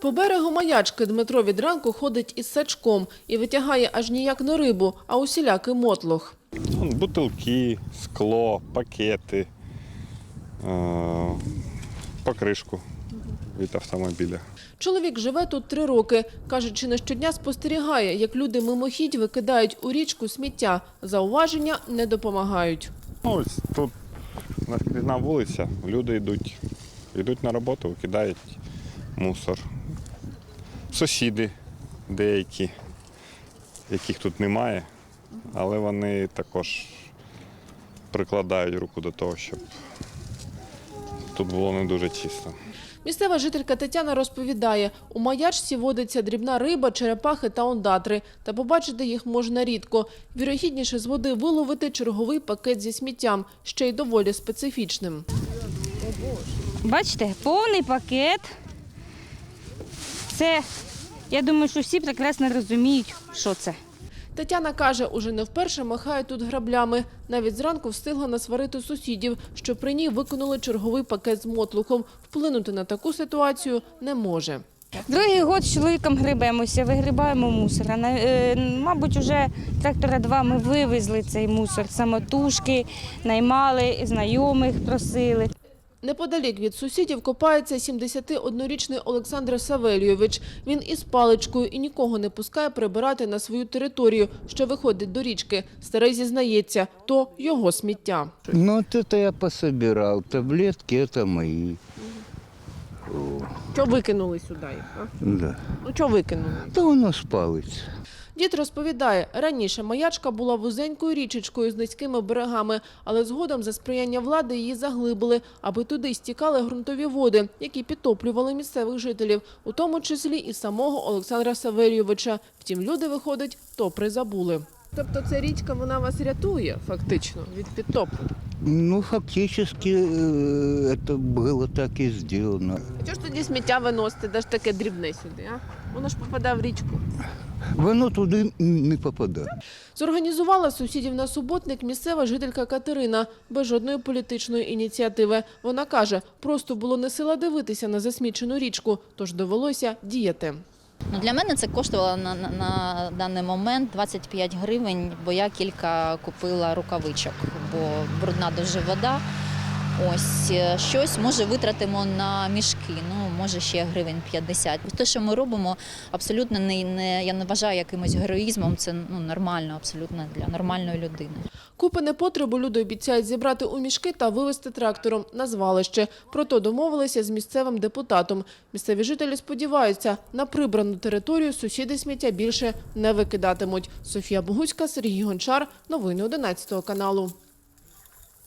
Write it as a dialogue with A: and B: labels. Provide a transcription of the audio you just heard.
A: По берегу Маячки Дмитро від ранку ходить із сачком і витягає аж ніяк не рибу, а усілякий мотлох.
B: Бутилки, скло, пакети, покришку від автомобіля.
A: Чоловік живе тут 3 роки. Каже, чи не щодня спостерігає, як люди мимохідь викидають у річку сміття. Зауваження не допомагають.
B: Ось тут наскрізна вулиця, люди йдуть на роботу, викидають мусор. Сусіди деякі, яких тут немає, але вони також прикладають руку до того, щоб тут було не дуже чисто.
A: Місцева жителька Тетяна розповідає, у Маячці водиться дрібна риба, черепахи та ондатри. Та побачити їх можна рідко. Вірогідніше з води виловити черговий пакет зі сміттям, ще й доволі специфічним.
C: Бачите, повний пакет. Це, я думаю, що всі прекрасно розуміють, що це.
A: Тетяна каже, уже не вперше махає тут граблями. Навіть зранку встигла насварити сусідів, що при ній викинули черговий пакет з мотлухом. Вплинути на таку ситуацію не може.
C: Другий год з чоловіком грибемося, вигрібаємо мусор. Мабуть, вже трактора 2 ми вивезли цей мусор. Самотужки, наймали, знайомих просили.
A: Неподалік від сусідів копається 71-річний Олександр Савельйович. Він із паличкою і нікого не пускає прибирати на свою територію, що виходить до річки. Старий зізнається, то його сміття.
D: Ну, вот это я пособирал. Таблетки это мои.
A: Що викинули сюди?
D: Да.
A: Ну, що викинули?
D: Да воно спалиться.
A: Дід розповідає, раніше Маячка була вузенькою річечкою з низькими берегами, але згодом за сприяння влади її заглибили, аби туди стікали ґрунтові води, які підтоплювали місцевих жителів, у тому числі і самого Олександра Савельйовича. Втім, люди, виходить, то призабули. Тобто ця річка, вона вас рятує, фактично, від підтоплення?
D: Ну, фактически это было так и сделано.
A: А чого ж тоді сміття виносити, де ж таке дрібне сюди, а? Воно ж попадає в річку.
D: Воно туди не попадає.
A: Зорганізувала сусідів на суботник місцева жителька Катерина, без жодної політичної ініціативи. Вона каже, просто було не сила дивитися на засмічену річку, тож довелося діяти.
E: Для мене це коштувало на даний момент 25 гривень, бо я кілька купила рукавичок, бо брудна дуже вода. Ось щось, може, витратимо на мішки, ну, може, ще гривень 50. Те, що ми робимо, абсолютно я не вважаю якимось героїзмом, це нормально, абсолютно для нормальної людини.
A: Купи непотребу люди обіцяють зібрати у мішки та вивезти трактором на звалище. Про то домовилися з місцевим депутатом. Місцеві жителі сподіваються, на прибрану територію сусіди сміття більше не викидатимуть. Софія Богуцька, Сергій Гончар. Новини 11 каналу.